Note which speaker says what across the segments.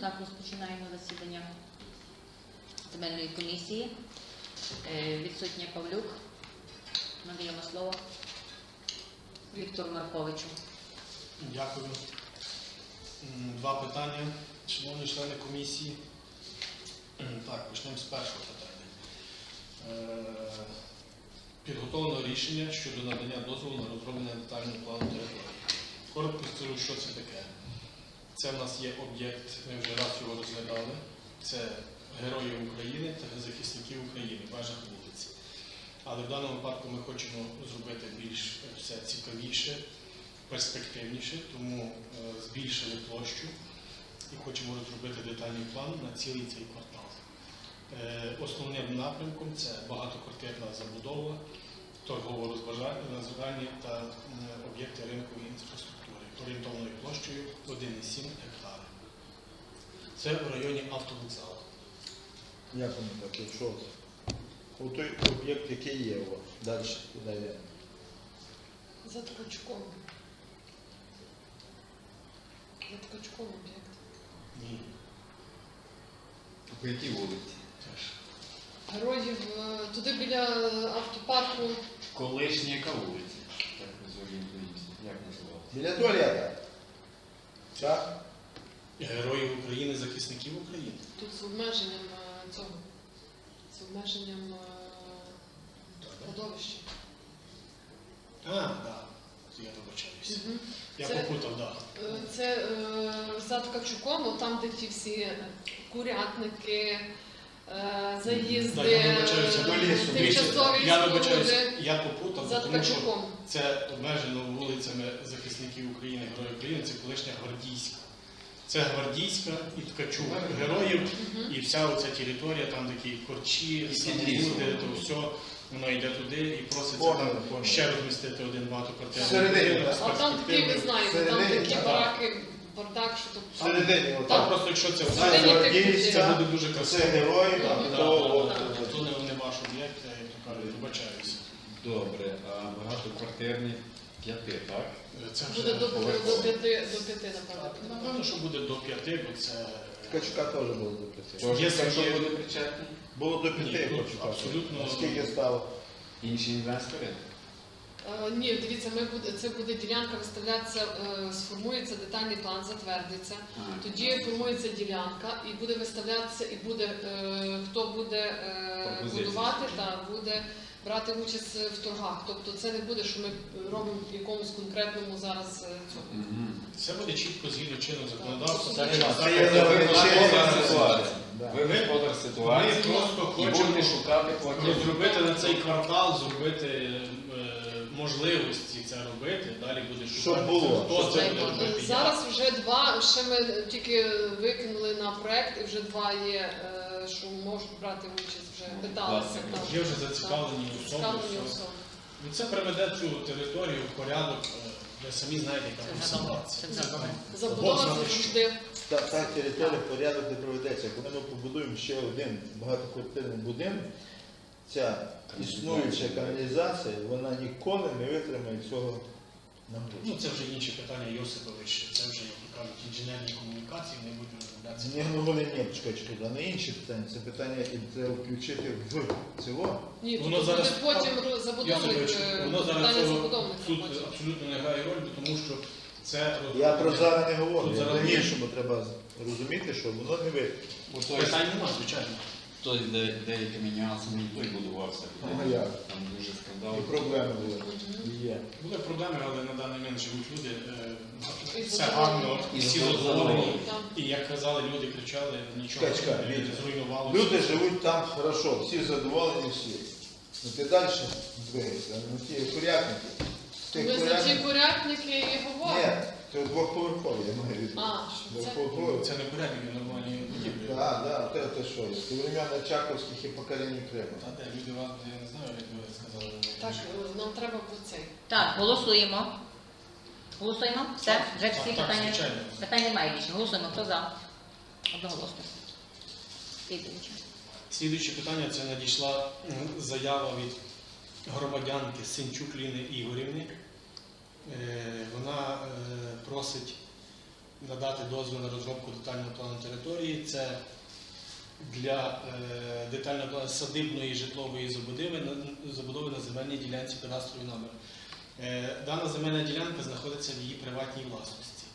Speaker 1: Так, розпочинаємо засідання земельної комісії. Відсутня Павлюк. Надаємо слово Віктору Марковичу.
Speaker 2: Дякую. Два питання, шановні члени комісії. Так, почнемо з першого питання. Підготовлено рішення щодо надання дозволу на розроблення детального плану території. Коротко скажу, що це таке. Це в нас є об'єкт, ми вже раз його розглядали. Це Героїв України та захисників України в межах вулиці. Але в даному випадку ми хочемо зробити більш все цікавіше, перспективніше, тому збільшили площу і хочемо розробити детальний план на цілий цей квартал. Основним напрямком це багатоквартирна забудова, торгово-розважальні та об'єкти ринкової інфраструктури орієнтовною площею 1,7 гектари. Це в районі автовокзалу.
Speaker 3: Як воно так, якщо той об'єкт, який є у вас, далі куди йде?
Speaker 4: За Ткачком. За Ткачком об'єкт.
Speaker 2: Ні.
Speaker 5: По якій вулиці?
Speaker 2: Теж.
Speaker 4: Героїв туди біля автопарку.
Speaker 5: Колишня яка вулиця? Так ми зорієнтуємося. Як називалося?
Speaker 3: Біля туалета. Так?
Speaker 2: Героїв України, захисників України.
Speaker 4: Тут з обмеженням цього. З обмеженням кладовища.
Speaker 2: Так. Я вибачаюся.
Speaker 4: Мгм.
Speaker 2: Я
Speaker 4: Це-
Speaker 2: попутав, так.
Speaker 4: Це за Ткачуком, там, де ті всі курятники, заїзди,
Speaker 2: Так, я вибачаюся,
Speaker 3: до лісу.
Speaker 4: тимчасові
Speaker 2: Я вибачаюся,
Speaker 4: споруди.
Speaker 2: я попутав,
Speaker 4: За
Speaker 2: тому що
Speaker 4: Ткачуком.
Speaker 2: це обмежено вулицями захисників України, Героїв України, це колишня Гвардійська. Це Гвардійська і Ткачук. Героїв і вся оця територія, там такі корчі,
Speaker 5: І
Speaker 2: самобуди,
Speaker 5: підлісок.
Speaker 2: то все, воно йде туди і проситься
Speaker 3: Понял,
Speaker 2: там
Speaker 3: понял.
Speaker 2: ще розмістити один багатоквартирний
Speaker 3: Всередині,
Speaker 2: будинок з
Speaker 4: А там такі, ви
Speaker 2: перспективою.
Speaker 4: знаєте, там
Speaker 3: Всередині,
Speaker 4: такі
Speaker 3: так.
Speaker 4: бараки, бардак, що тут.
Speaker 3: Всередині,
Speaker 2: Там
Speaker 3: отак.
Speaker 2: просто, якщо це
Speaker 4: Всередині
Speaker 2: в
Speaker 4: тих
Speaker 2: це
Speaker 4: людей.
Speaker 2: буде дуже
Speaker 3: Це
Speaker 2: красиво.
Speaker 3: герої,
Speaker 4: Так,
Speaker 3: і
Speaker 4: так,
Speaker 3: то
Speaker 4: так.
Speaker 3: от.
Speaker 2: То не ваш об'єкт, я як то кажу, вибачаюся.
Speaker 5: Добре, а багатоквартирні 5, так?
Speaker 2: Це вже
Speaker 4: Буде до 5, напевно.
Speaker 2: напевно, що буде до 5, бо це
Speaker 3: Ткачука теж було до 5.
Speaker 5: Тож,
Speaker 2: Є
Speaker 5: якщо
Speaker 2: є-
Speaker 5: буде причетний,
Speaker 3: Було до
Speaker 2: Ні,
Speaker 3: 5
Speaker 2: ну,
Speaker 3: Ткачука.
Speaker 2: абсолютно.
Speaker 3: Скільки стало?
Speaker 5: інші інвестори?
Speaker 4: Ні, дивіться, це буде ділянка виставлятися, сформується детальний план, затвердиться. Тоді формується ділянка і буде виставлятися, і буде хто буде
Speaker 5: Пропозиції.
Speaker 4: будувати та буде брати участь в торгах. Тобто це не буде, що ми робимо в якомусь конкретному зараз цьому.
Speaker 5: Угу.
Speaker 2: Все буде чітко згідно чинного законодавства.
Speaker 4: Так,
Speaker 2: Це
Speaker 3: це
Speaker 2: є
Speaker 3: є
Speaker 5: Господар ситуації.
Speaker 3: Да.
Speaker 5: Ви господар
Speaker 2: Ми
Speaker 5: ситуації
Speaker 2: просто
Speaker 5: і
Speaker 2: хочемо
Speaker 5: будете шукати платіжку.
Speaker 2: розробити на цей квартал, зробити можливості це робити, далі буде шукати,
Speaker 3: Щоб було,
Speaker 2: хто
Speaker 3: щоб
Speaker 2: це
Speaker 3: це
Speaker 2: буде
Speaker 3: було.
Speaker 2: робити.
Speaker 4: Зараз вже два, ще ми тільки викинули на проект, і вже два є, що можуть брати участь, вже питалися.
Speaker 5: Власне,
Speaker 4: там.
Speaker 2: Є вже зацікавлені особи.
Speaker 4: Зацікавлені
Speaker 2: все.
Speaker 4: особи.
Speaker 2: Ну, це приведе цю територію в порядок, ви самі знаєте, яка
Speaker 1: Це
Speaker 2: тут
Speaker 1: вже добре,
Speaker 2: ситуація.
Speaker 1: це вже добре.
Speaker 4: Забудова
Speaker 2: Бог
Speaker 4: це
Speaker 2: знає, що.
Speaker 4: завжди.
Speaker 3: Та територія в порядок не проведеться. Коли ми побудуємо ще один багатоквартирний будинок, ця існуюча каналізація, вона ніколи не витримає цього нагрузку.
Speaker 2: Ну, це вже інші питання Йосипович, це вже, як то кажуть, інженерні комунікації, не будуть розглядатися.
Speaker 3: Ні, ну вони ні, чекай, а не інші питання. Це питання і треба включити в цього.
Speaker 4: Ні,
Speaker 2: Воно
Speaker 4: тут
Speaker 2: зараз-
Speaker 4: буде потім забудовник,
Speaker 2: Йосипович, воно зараз
Speaker 4: питання
Speaker 2: цього
Speaker 4: забудовника
Speaker 2: тут
Speaker 4: потім.
Speaker 2: абсолютно не грає роль, тому що це
Speaker 3: Я про зараз не говорю.
Speaker 2: Тут
Speaker 3: Я
Speaker 2: зараз
Speaker 3: про
Speaker 2: є.
Speaker 3: іншому треба розуміти, що воно не витримає.
Speaker 2: питань немає, звичайно.
Speaker 5: Той з деякими нюансами і той будувався.
Speaker 3: Ну, як?
Speaker 5: Там дуже
Speaker 3: І
Speaker 5: скандал.
Speaker 3: проблеми були. І є.
Speaker 2: Були проблеми, але на даний момент живуть люди,
Speaker 4: І
Speaker 2: все
Speaker 4: задоволені.
Speaker 2: гарно,
Speaker 5: І
Speaker 2: всі
Speaker 5: задоволені.
Speaker 2: задоволені.
Speaker 4: Там.
Speaker 2: І як казали, люди кричали, нічого
Speaker 3: Чекай,
Speaker 2: не
Speaker 3: Вітя.
Speaker 2: зруйнувалося.
Speaker 3: Люди живуть там хорошо, всі задоволені, всі. Ну ти далі двигаєшся, ну ті курятники. Тих
Speaker 4: Ми за ті
Speaker 3: курятників-
Speaker 4: курятники і
Speaker 3: Ні,
Speaker 4: говоримо.
Speaker 3: це двохповерхові, я маю від.
Speaker 4: А, що це?
Speaker 3: Двохповерхові.
Speaker 2: Це не порядки, нормальні будівлі.
Speaker 3: Так, те що, з времен Очаковських і поколінь Криму.
Speaker 2: Та де люди вас, я не знаю, як ви сказали.
Speaker 4: Так, нам треба по цей.
Speaker 1: Так, голосуємо. Голосуємо? Все? Вже всі
Speaker 2: Так,
Speaker 1: питання?
Speaker 2: звичайно.
Speaker 1: Питань немає більше. Голосуємо. Хто за? Одноголосно. Слідуюче.
Speaker 2: Слідуюче питання, це надійшла заява від громадянки Синчук Ліни Ігорівни. Вона просить надати дозвіл на розробку детального плану території. Це для детального плану садибної житлової забудови на земельній ділянці кадастровий номер. Дана земельна ділянка знаходиться в її приватній власності.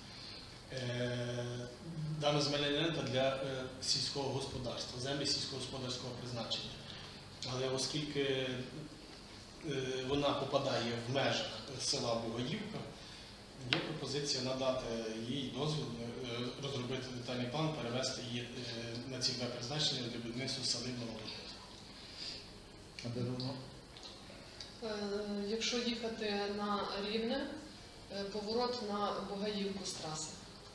Speaker 2: Дана земельна ділянка для сільського господарства, землі сільськогосподарського призначення. Але оскільки вона попадає в межах села Бугаївка, є пропозиція надати їй дозвіл розробити детальний план, перевести її на цільове призначення для будівництва садибного будинку.
Speaker 3: А де воно?
Speaker 4: Якщо їхати на Рівне, поворот на Бугаївку з траси.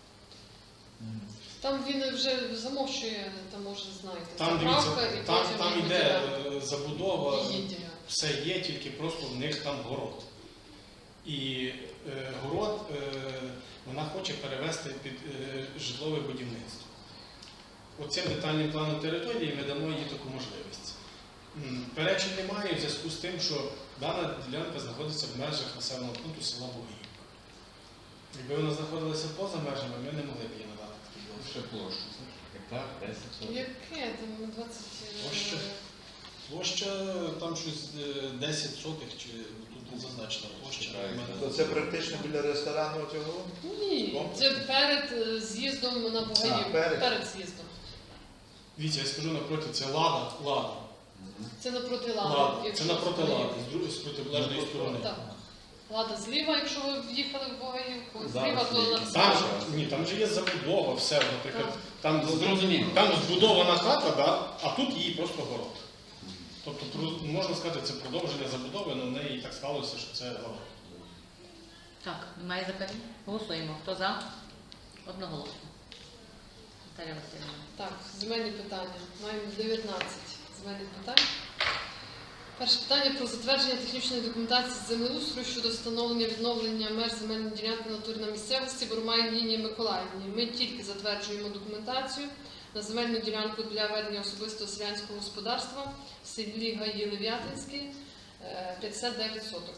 Speaker 4: Там він вже замовчує, там може знаєте,
Speaker 2: Там,
Speaker 4: заправка
Speaker 2: дивіться,
Speaker 4: і
Speaker 2: там
Speaker 4: потім
Speaker 2: іде забудова,
Speaker 4: її ділянка.
Speaker 2: все є, тільки просто в них там город. І город вона хоче перевести під житлове будівництво. Оцим детальним планом території ми дамо їй таку можливість. Перечень немає в зв'язку з тим, що дана ділянка знаходиться в межах населеного пункту села Бугаївка. Якби вона знаходилася поза межами, ми не могли б її надати такий дозвіл.
Speaker 5: Ще площу. Гектар, 10 сотень.
Speaker 4: Яке там 20...
Speaker 2: Площа? Площа там щось 10 сотих, чи тут не зазначена площа.
Speaker 3: То це практично біля ресторану цього?
Speaker 4: Ні, це перед з'їздом на Бугаївку. Перед з'їздом.
Speaker 2: Дивіться, я скажу напроти, це Лада.
Speaker 4: Це напроти
Speaker 2: Лада.
Speaker 4: Лади.
Speaker 2: Це напроти Лади, з протилежної сторони.
Speaker 4: Так. Лада зліва, якщо ви в'їхали в Бугаївку,
Speaker 5: Зараз
Speaker 4: зліва то
Speaker 5: є.
Speaker 4: на
Speaker 2: Там же є забудова, все, наприклад, там,
Speaker 5: Зрозуміло.
Speaker 2: там збудована хата, да, а тут її просто город. Тобто, можна сказати, це продовження забудови, але в неї так склалося, що це город.
Speaker 1: Так, немає запитань? Голосуємо. Хто за? Одноголосно. Наталя Васильівна.
Speaker 4: Так, земельні питання. Маємо 19 земельних питань. Перше питання про затвердження технічної документації з землеустрою щодо встановлення відновлення меж земельної ділянки в натурі на місцевості Бурмай Ніні Миколаївні. Ми тільки затверджуємо документацію на земельну ділянку для ведення особистого селянського господарства в селі Гаї Лев'ятинській 59 соток.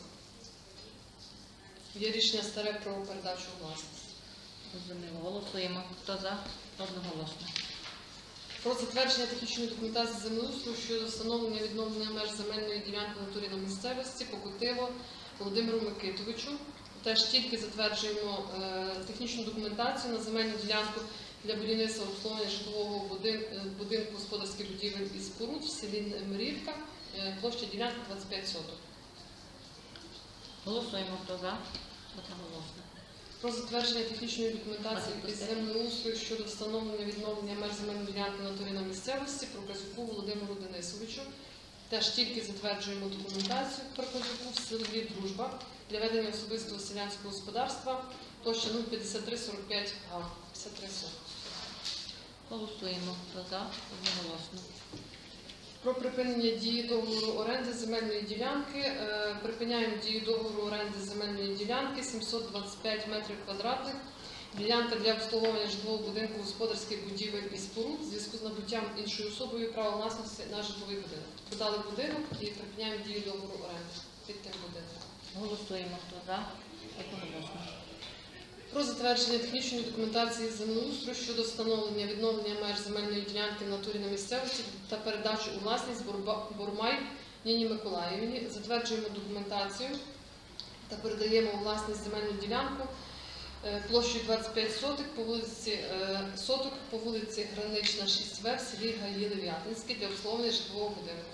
Speaker 4: Є рішення старе про передачу у власність.
Speaker 1: Розуміло. Голосуємо. Хто за? Одноголосно.
Speaker 4: Про затвердження технічної документації землеустрою щодо встановлення відновлення меж земельної ділянки в натурі на місцевості Покутило Володимиру Микитовичу. Теж тільки затверджуємо технічну документацію на земельну ділянку для будівництва обслуговування житлового будинку господарських будівель і споруд в селі Мирівка, площа ділянки 25 соток.
Speaker 1: Голосуємо. Хто за? Одноголосно.
Speaker 4: Про затвердження технічної документації із землеустрою щодо встановлення відновлення меж земельної ділянки на натурі на місцевості Проказюку Володимиру Денисовичу. Теж тільки затверджуємо документацію Проказюку в селі Дружба для ведення особистого селянського господарства, площа 05345 га, 53 сотки.
Speaker 1: Голосуємо. Хто за? Одноголосно.
Speaker 4: Про припинення дії договору оренди земельної ділянки. Припиняємо дію договору оренди земельної ділянки 725 метрів квадратних. Ділянка для обслуговування житлового будинку господарських будівель і споруд в зв'язку з набуттям іншою особою права власності на житловий будинок. Подали будинок і припиняємо дію договору оренди під тим будинком.
Speaker 1: Голосуємо. Хто за? Одноголосно.
Speaker 4: Про затвердження технічної документації з землеустрою щодо встановлення відновлення меж земельної ділянки в натурі на місцевості та передачу у власність Бурмай Ніні Миколаївні. Затверджуємо документацію та передаємо у власність земельну ділянку площею 25 соток по вулиці Гранична, 6В в селі Гаї Лев'ятинській для обслуговування житлового будинку.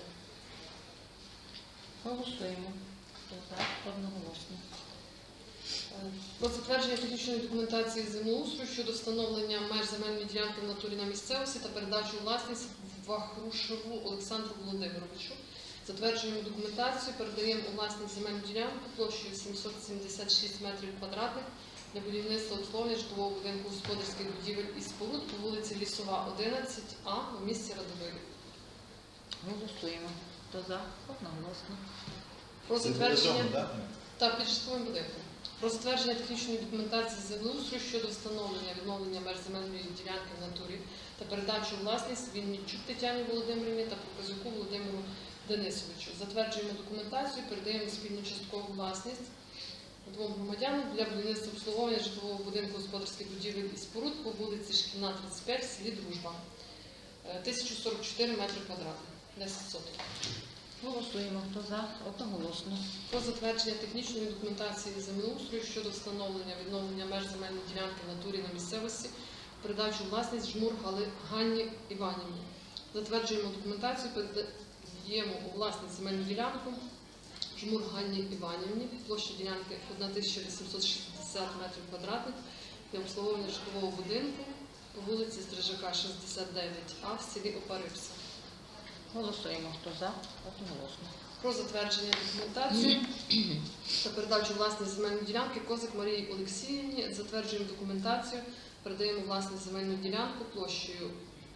Speaker 1: Голосуємо. Хто за? Одноголосно.
Speaker 4: Про затвердження технічної документації землеустрою щодо встановлення меж земельної ділянки в натурі на місцевості та передачу у власність Вахрушеву Олександру Володимировичу. Затверджуємо документацію, передаємо у власність земельну ділянку площею 776 метрів квадратних для будівництва обслуговування житлового будинку господарських будівель і споруд по вулиці Лісова, 11А в місті Радовилі.
Speaker 1: Голосуємо. Хто за? Одноголосно.
Speaker 4: Про
Speaker 3: Це
Speaker 4: затвердження
Speaker 3: разом, так?
Speaker 4: та під житловим будинком. Про затвердження технічної документації з землеустрою щодо встановлення відновлення меж земельної ділянки в натурі та передачу у власність Вінничук Тетяні Володимирівні та Проказюку Володимиру Денисовичу. Затверджуємо документацію, передаємо спільну часткову власність двом громадянам для будівництва обслуговування житлового будинку господарських будівель і споруд по вулиці Шкільна, 35 в селі Дружба. 1044 метри квадратних, 10 соток.
Speaker 1: Голосуємо. Хто за? Одноголосно.
Speaker 4: Про затвердження технічної документації землеустрою щодо встановлення відновлення меж земельної ділянки в натурі на місцевості, передачу у власність Жмур Ганні Іванівні. Затверджуємо документацію, передаємо у власність земельну ділянку Жмур Ганні Іванівні, площа ділянки 1860 метрів квадратних для обслуговування житлового будинку по вулиці Стрижака, 69А в селі Опарипса.
Speaker 1: Голосуємо. Хто за? Одноголосно.
Speaker 4: Про затвердження документації та передачу власність земельної ділянки Козак Марії Олексіївні. Затверджуємо документацію, передаємо власність земельну ділянку площею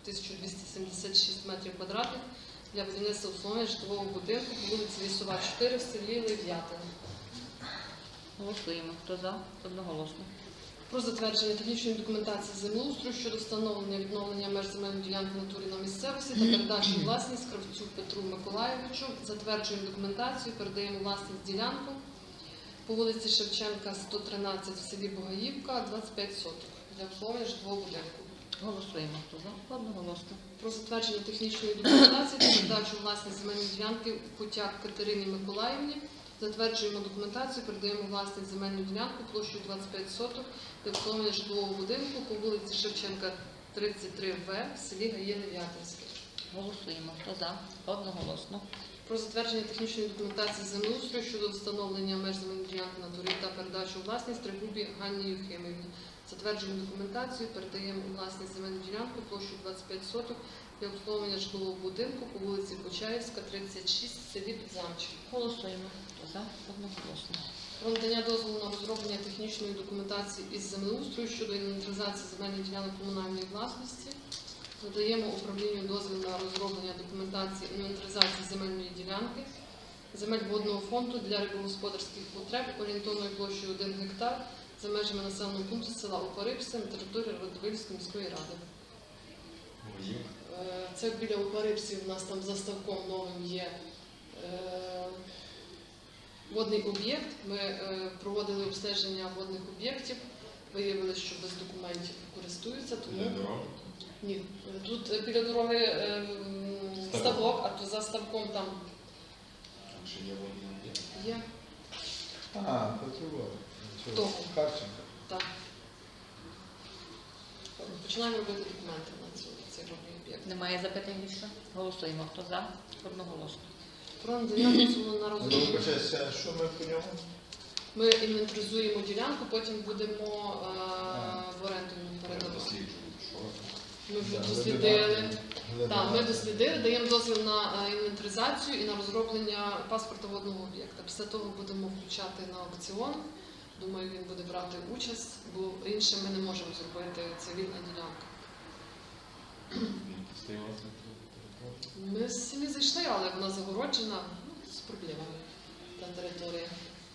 Speaker 4: 1276 метрів квадратних для будівництва обслуговування житлового будинку по вулиці Лісова, 4 в селі Лев'ятин.
Speaker 1: Голосуємо. Хто за? Одноголосно.
Speaker 4: Про затвердження технічної документації землеустрою щодо встановлення відновлення меж земельної ділянки в натурі на місцевості та передачу у власність Кравцю Петру Миколайовичу. Затверджуємо документацію, передаємо власність ділянку по вулиці Шевченка, 113 в селі Богаївка, 25 соток для обслуговування житлового будинку.
Speaker 1: Голосуємо. Хто за? Одноголосно.
Speaker 4: Про затвердження технічної документації та передачу у власність земельної ділянки Кутяк Катерині Миколаївні. Затверджуємо документацію, передаємо власність земельну ділянку площею 25 соток для обслуговування житлового будинку по вулиці Шевченка, 33В в селі Гаєне-В'ятинське.
Speaker 1: Голосуємо. Хто за? Одноголосно.
Speaker 4: Про затвердження технічної документації землеустрою щодо встановлення меж земельної ділянки на турі та передачу у власність Тригубі Ганні Юхимівні. Затверджуємо документацію, передаємо у власність земельну ділянку площею 25 соток для обслуговування житлового будинку по вулиці Почаївська, 36 в селі Підзамчик.
Speaker 1: Голосуємо. Хто за? Одноголосно.
Speaker 4: Про надання дозволу на розроблення технічної документації із землеустрою щодо інвентаризації земельних ділянок комунальної власності. Надаємо управлінню дозвіл на розроблення документації інвентаризації земельної ділянки, земель водного фонду для рибогосподарських потреб орієнтовною площею 1 гектар за межами населеного пункту села Опарипси на території Радивильської міської ради. Це біля Опарипсів, у нас там за ставком новим є водний об'єкт. Ми проводили обстеження водних об'єктів, виявили, що без документів користуються, тому ні. Тут біля дороги ставок, а то за ставком там
Speaker 5: Чи є водний об'єкт?
Speaker 4: є.
Speaker 3: Потрібно.
Speaker 4: Того.
Speaker 3: Харченко.
Speaker 4: Так. Починаємо робити документи на цей водний об'єкт.
Speaker 1: Немає запитань більше? Голосуємо. Хто за? Одноголосно.
Speaker 4: Про надання дозволу на розроблення.
Speaker 3: Вибачайся, що ми по ньому?
Speaker 4: Ми інвентаризуємо ділянку, потім будемо в оренду передавати.
Speaker 5: Досліджують, що
Speaker 4: Ми вже
Speaker 3: Да,
Speaker 4: дослідили.
Speaker 3: глибина.
Speaker 4: Так, ми дослідили, даємо дозвіл на інвентаризацію і на розроблення паспорта водного об'єкта. Після того будемо включати на аукціон. Думаю, він буде брати участь, бо інше ми не можемо зробити, це вільна ділянка.
Speaker 5: він постояв на території.
Speaker 4: Ми самі зайшли, але вона загороджена, з проблемами та територія.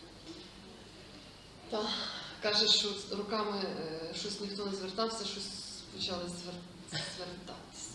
Speaker 4: Так, каже, що руками щось ніхто не звертався, щось почали звертатися.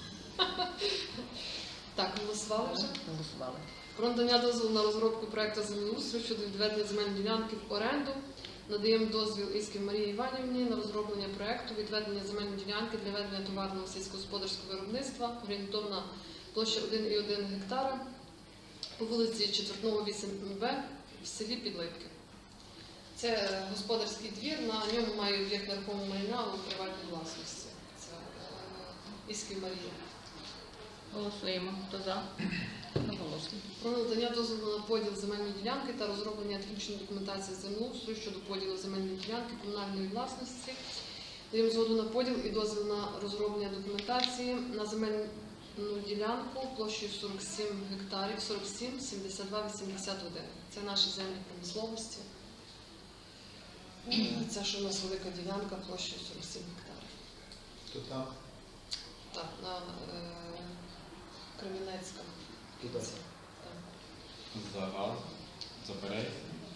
Speaker 4: Так, голосували вже?
Speaker 1: Голосували.
Speaker 4: Про надання дозволу на розробку проекту землеустрою щодо відведення земельної ділянки в оренду. Надаємо дозвіл Іськів Марії Іванівні на розроблення проекту відведення земельної ділянки для ведення товарного сільськогосподарського виробництва. Орієнтовна площа 1,1 гектара по вулиці Четвертного 8Б в селі Підлипки. Це господарський двір, на ньому має об'єкт нерухомого майна у приватній власності. Це Іськів Марія.
Speaker 1: Голосуємо. Хто за? Одноголосно.
Speaker 4: Про надання дозволу на поділ земельної ділянки та розроблення технічної документації землеустрою щодо поділу земельної ділянки комунальної власності. Даємо згоду на поділ і дозвіл на розроблення документації на земельну ділянку площею 47 гектарів, 47, 72, 81. Це наші землі промисловості. Це що у нас велика ділянка площею 47 гектарів.
Speaker 3: Хто там?
Speaker 4: Так, на Кремінецька.
Speaker 3: Туди.
Speaker 4: Так.
Speaker 5: Загал, заперечення,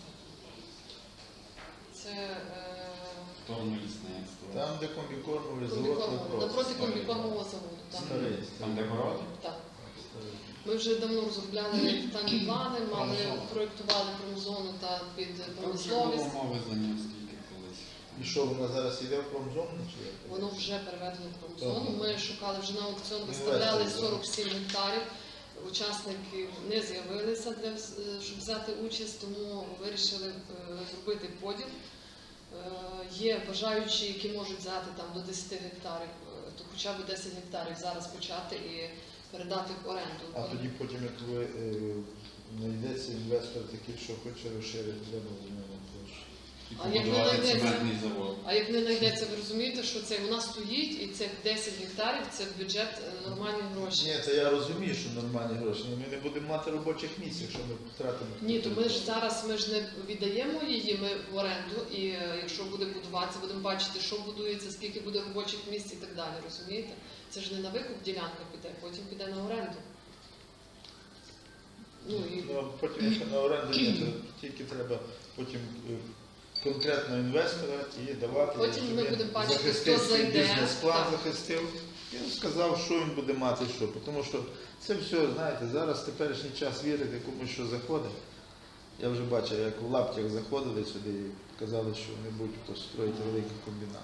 Speaker 4: Це
Speaker 5: сторону лісництва.
Speaker 3: Там, де комбікормовий завод
Speaker 4: комбікормового,
Speaker 3: «Вопрос».
Speaker 4: напроти комбікормового заводу. Так.
Speaker 3: Старий.
Speaker 5: Там де городи?
Speaker 4: Так. Ми вже давно розробляли детальні плани, мали проєктували промзону та під
Speaker 5: Там вже
Speaker 4: промисловість.
Speaker 5: було мови за нього скільки колись.
Speaker 3: І що, вона зараз йде в промзону? Чи як?
Speaker 4: Воно вже переведено в промзону.
Speaker 3: Ага.
Speaker 4: Ми шукали вже на аукціон, виставляли
Speaker 3: Інвестори,
Speaker 4: 47 гектарів. Учасники не з'явилися, щоб взяти участь, тому вирішили зробити поділ. Є бажаючі, які можуть взяти там до 10 гектарів, то хоча б 10 гектарів зараз почати і передати в оренду.
Speaker 3: А тоді потім, як ви знайдеться інвестор такий, що хоче розширити, треба змінити площу.
Speaker 5: І
Speaker 4: А як не
Speaker 5: побудувати
Speaker 4: знайдеться?
Speaker 5: цементний завод.
Speaker 4: А як не знайдеться, ви розумієте, що це вона стоїть, і це 10 гектарів, це в бюджет нормальні гроші.
Speaker 3: Ні, це я розумію, що нормальні гроші, але ми не будемо мати робочих місць, якщо ми втратимо.
Speaker 4: Ні, то ми ж зараз не віддаємо її ми в оренду, і якщо буде будуватися, будемо бачити, що будується, скільки буде робочих місць і так далі. Розумієте? Це ж не на викуп ділянка піде, потім піде на оренду. Ну і
Speaker 3: Ну, а потім, якщо на оренду ні, то тільки треба потім конкретно інвестора і давати.
Speaker 4: Потім
Speaker 3: щоб
Speaker 4: ми
Speaker 3: він
Speaker 4: будемо бачити,
Speaker 3: захистив
Speaker 4: хто
Speaker 3: свій
Speaker 4: зайде.
Speaker 3: бізнес-план,
Speaker 4: Так.
Speaker 3: захистив. Він сказав, що він буде мати, що. Тому що це все, знаєте, зараз в теперішній час вірити комусь, що заходить. Я вже бачив, як в лаптях заходили сюди і казали, що вони будуть строїти великий комбінат.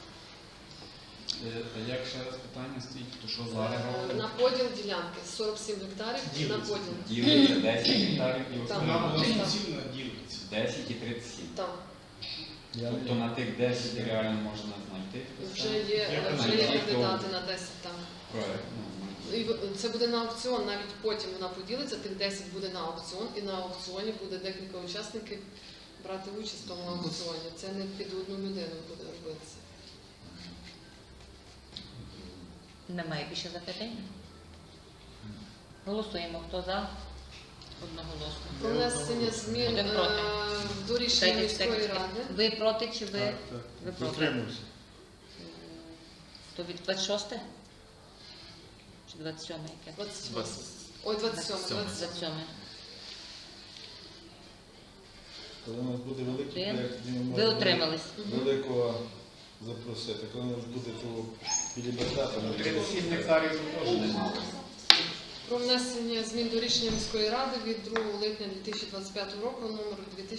Speaker 5: А як ще раз питання стоїть, то що зараз робить?
Speaker 4: на поділ ділянки 47 гектарів на
Speaker 2: Ділиться.
Speaker 4: поділ.
Speaker 5: Ділиться 10 гектарів і
Speaker 4: Так.
Speaker 2: Вона
Speaker 5: основна.
Speaker 2: була суцільна ділиться.
Speaker 5: 10 і 37.
Speaker 4: Там
Speaker 5: Тобто на тих 10 реально можна знайти
Speaker 4: вже є кандидати на 10 там.
Speaker 5: проект.
Speaker 4: І це буде на аукціон, навіть потім вона поділиться, тих 10 буде на аукціон, і на аукціоні буде декілька учасників брати участь в тому аукціоні. Це не під одну людину буде робитися.
Speaker 1: Немає більше запитань? Голосуємо. Хто за? Одноголосно.
Speaker 4: Про внесення змін
Speaker 1: Один проти.
Speaker 4: до рішення
Speaker 1: Чекайте,
Speaker 4: міської
Speaker 1: чекайте.
Speaker 4: ради.
Speaker 1: Ви проти чи ви? Ви проти?
Speaker 3: Затримався.
Speaker 1: То від 26? Чи 27 яке?
Speaker 4: 27. Ой, 27.
Speaker 1: 27.
Speaker 3: Коли у нас буде великий
Speaker 1: Ви?
Speaker 3: проєкт, тоді ми
Speaker 1: Ви
Speaker 3: можемо
Speaker 1: утримались.
Speaker 3: великого запросити. Коли у нас буде того біліберта, ми
Speaker 5: 37 гектарів теж немало.
Speaker 4: Про внесення змін до рішення міської ради від 2 липня 2025 року, номер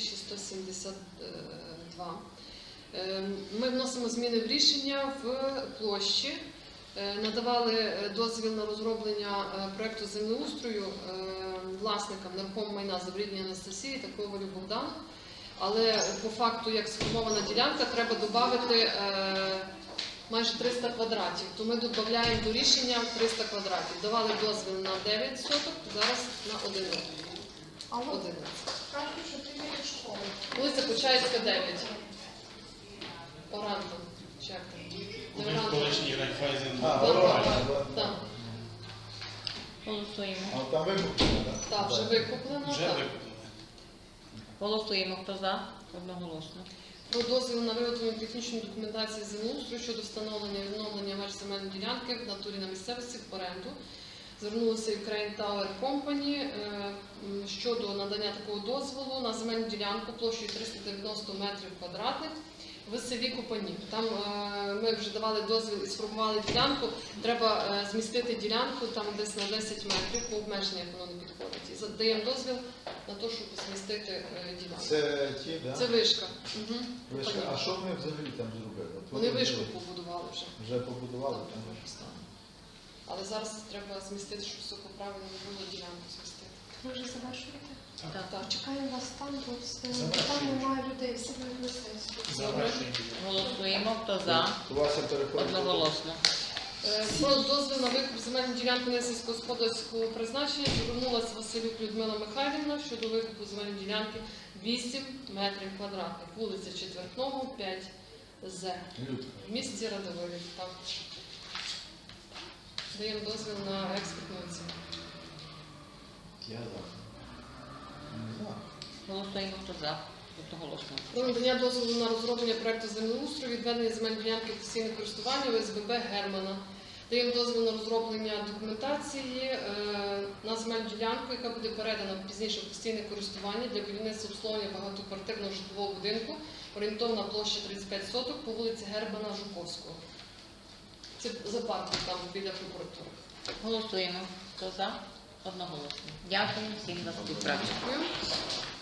Speaker 4: 2172. Ми вносимо зміни в рішення в площі. Надавали дозвіл на розроблення проєкту землеустрою власникам нерухомого майна Заврідній Анастасії та Ковалю Богдану. Але по факту, як сформована ділянка, треба додати майже 300 квадратів. То ми додаємо до рішення 300 квадратів. Давали дозвіл на 9 соток, зараз на 11.
Speaker 6: Алло,
Speaker 4: 11.
Speaker 6: кажуть, що ти є школи.
Speaker 4: Вулиця Почаївська, 9. Оранта. Чи як там? Не
Speaker 2: Один
Speaker 4: Оранта.
Speaker 2: колишній Райфайзен.
Speaker 3: А,
Speaker 4: Так,
Speaker 3: Оранта,
Speaker 4: так,
Speaker 3: да.
Speaker 4: так.
Speaker 1: Голосуємо.
Speaker 3: А там викуплено, так?
Speaker 4: Так, вже викуплено.
Speaker 2: Вже
Speaker 4: Так.
Speaker 2: виконано.
Speaker 1: Голосуємо. Хто за? Одноголосно.
Speaker 4: Про дозвіл на виготовлення технічної документації землеустрою щодо встановлення і відновлення меж земельної ділянки в натурі на місцевості в оренду. Звернулися Ukraine Tower Company щодо надання такого дозволу на земельну ділянку площею 390 метрів квадратних в селі Купанів. Там ми вже давали дозвіл і сформували ділянку. Треба змістити ділянку там десь на 10 метрів, по обмеженню, як воно не підходить. І даємо дозвіл на те, щоб змістити ділянку.
Speaker 3: Це ті, так?
Speaker 4: Це вишка. Угу.
Speaker 3: Вишка. А що вони взагалі там зробили? От
Speaker 4: Вони
Speaker 3: вони
Speaker 4: вишку побудували вже.
Speaker 3: Вже побудували
Speaker 4: Так,
Speaker 3: там?
Speaker 4: вже стало. Але зараз треба змістити, щоб все по правильному було ділянку змістити.
Speaker 6: Ви вже завершуєте?
Speaker 1: Так.
Speaker 4: Так.
Speaker 6: Чекаємо вас там, бо там
Speaker 2: Завершуємо.
Speaker 6: немає людей, всі будуть на сесію.
Speaker 2: Завершуємо.
Speaker 1: Голосуємо. Хто за?
Speaker 3: Вася переходить.
Speaker 1: Одноголосно.
Speaker 4: Про дозвіл на викуп земельної ділянки несільськогосподарського призначення звернулася Василюк Людмила Михайлівна щодо викупу земельної ділянки 8 метрів квадратних. Вулиця Четвертного, 5З.
Speaker 3: Людка.
Speaker 4: В місті Радовилів. Так. Даємо дозвіл на експертну оцінку.
Speaker 3: Я за. Не знаю.
Speaker 1: Голосуємо. Хто за? Одноголосно.
Speaker 4: Про надання дозволу на розроблення проекту землеустрою, відведення земельної ділянки в постійне користування ОСББ Германа. Даємо дозвіл на розроблення документації на земельну ділянку, яка буде передана пізніше в постійне користування для будівництва обслуговування багатоквартирного житлового будинку, орієнтовна площа 35 соток по вулиці Германа Жуковського. Це за парком там біля прокуратури.
Speaker 1: Голосуємо. Хто за? Одноголосно. Дякую всім за співпрацю.
Speaker 4: Дякую.